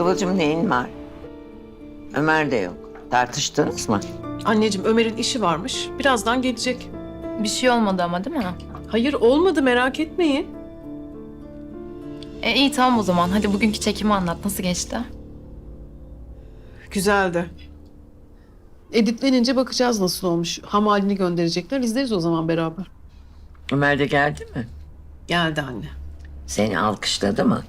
Kıvılcım neyin var? Ömer de yok. Tartıştınız mı? Anneciğim Ömer'in işi varmış. Birazdan gelecek. Bir şey olmadı ama değil mi? Hayır olmadı merak etmeyin. İyi tamam o zaman. Hadi bugünkü çekimi anlat. Nasıl geçti? Güzeldi. Editlenince bakacağız nasıl olmuş. Ham halini gönderecekler. İzleriz o zaman beraber. Ömer de geldi mi? Geldi anne. Seni alkışladı mı?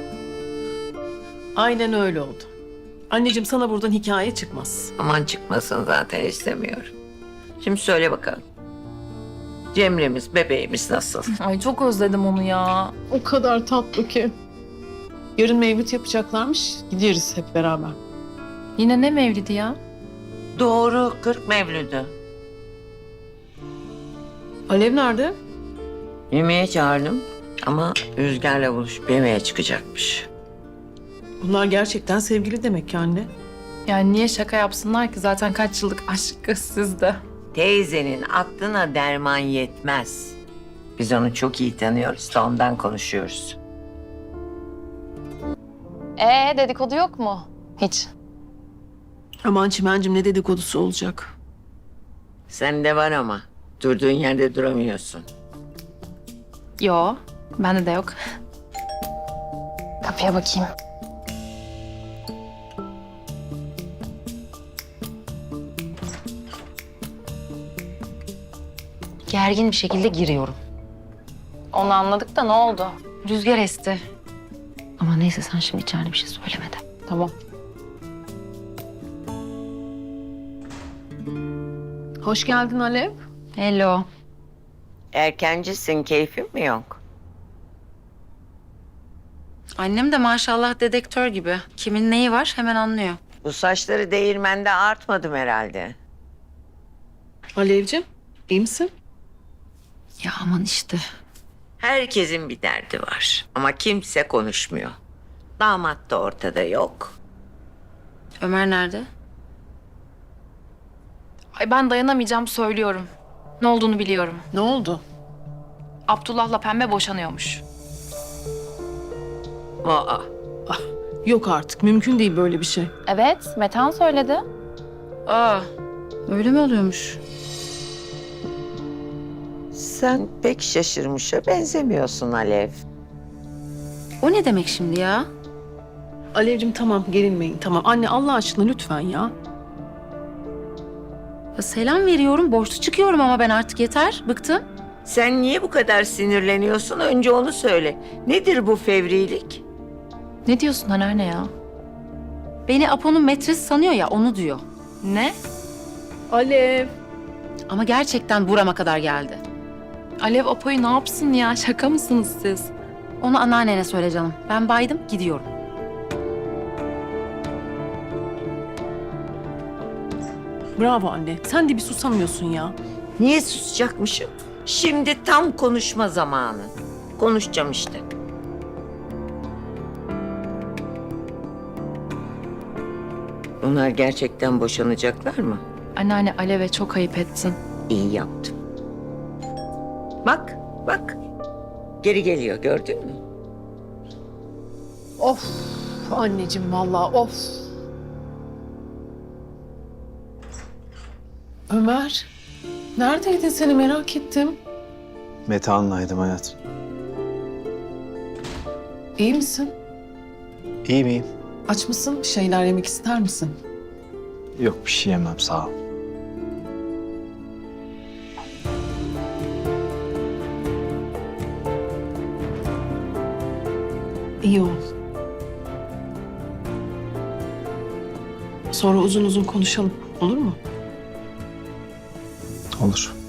Aynen öyle oldu. Anneciğim sana buradan hikaye çıkmaz. Aman çıkmasın zaten istemiyorum. Şimdi söyle bakalım. Cemre'miz, bebeğimiz nasıl? Ay çok özledim onu ya. O kadar tatlı ki. Yarın mevlüt yapacaklarmış. Gideriz hep beraber. Yine ne mevlidi ya? Doğru, 40 Mevlüt'ü. Alev nerede? Yemeğe çağırdım ama Rüzgar'la buluşup yemeğe çıkacakmış. Bunlar gerçekten sevgili demek ki anne. Yani niye şaka yapsınlar ki? Zaten kaç yıllık aşk sizde. Teyzenin aklına derman yetmez. Biz onu çok iyi tanıyoruz da ondan konuşuyoruz. Dedikodu yok mu? Hiç. Aman Çimen'cim ne dedikodusu olacak. Sende var ama durduğun yerde duramıyorsun. Yo, bende de yok. Kapıya bakayım. Gergin bir şekilde giriyorum. Onu anladık da ne oldu? Rüzgar esti. Ama neyse sen şimdi içeride bir şey söyleme de. Tamam. Hoş geldin Alev. Hello. Erkencisin, keyfin mi yok? Annem de maşallah dedektör gibi. Kimin neyi var hemen anlıyor. Bu saçları değirmende artmadım herhalde. Alevciğim iyi misin? Ya aman işte. Herkesin bir derdi var ama kimse konuşmuyor. Damat da ortada yok. Ömer nerede? Ay ben dayanamayacağım söylüyorum. Ne olduğunu biliyorum. Ne oldu? Abdullah'la Pembe boşanıyormuş. Aa, Yok artık mümkün değil böyle bir şey. Evet, Metehan söyledi. Aa, öyle mi oluyormuş? sen pek şaşırmışa benzemiyorsun Alev. O ne demek şimdi ya? Alevciğim tamam gerilmeyin tamam. Anne Allah aşkına lütfen ya. Ya selam veriyorum, borçlu çıkıyorum ama ben artık yeter. Bıktım. Sen niye bu kadar sinirleniyorsun? Önce onu söyle. Nedir bu fevrilik? Ne diyorsun anneanne ya? Beni Apo'nun metresi sanıyor ya, onu diyor. Ne? Alev. Ama gerçekten burama kadar geldi. Alev Apo'yu ne yapsın ya? Şaka mısınız siz? Onu anneannene söyle canım. Ben baydım, gidiyorum. Bravo anne. Sen de bir susamıyorsun ya. Niye susacakmışım? Şimdi tam konuşma zamanı. Konuşacağım işte. Onlar gerçekten boşanacaklar mı? Anneanne Alev'e çok ayıp ettin. İyi yaptım. Bak, bak. Geri geliyor, gördün mü? Of anneciğim vallahi of. Ömer. Neredeydin seni merak ettim. Metehan'laydım hayatım. İyi misin? İyi miyim? Aç mısın? Bir şeyler yemek ister misin? Yok bir şey yemem sağ ol. İyi ol. Sonra uzun uzun konuşalım. Olur mu? Olur.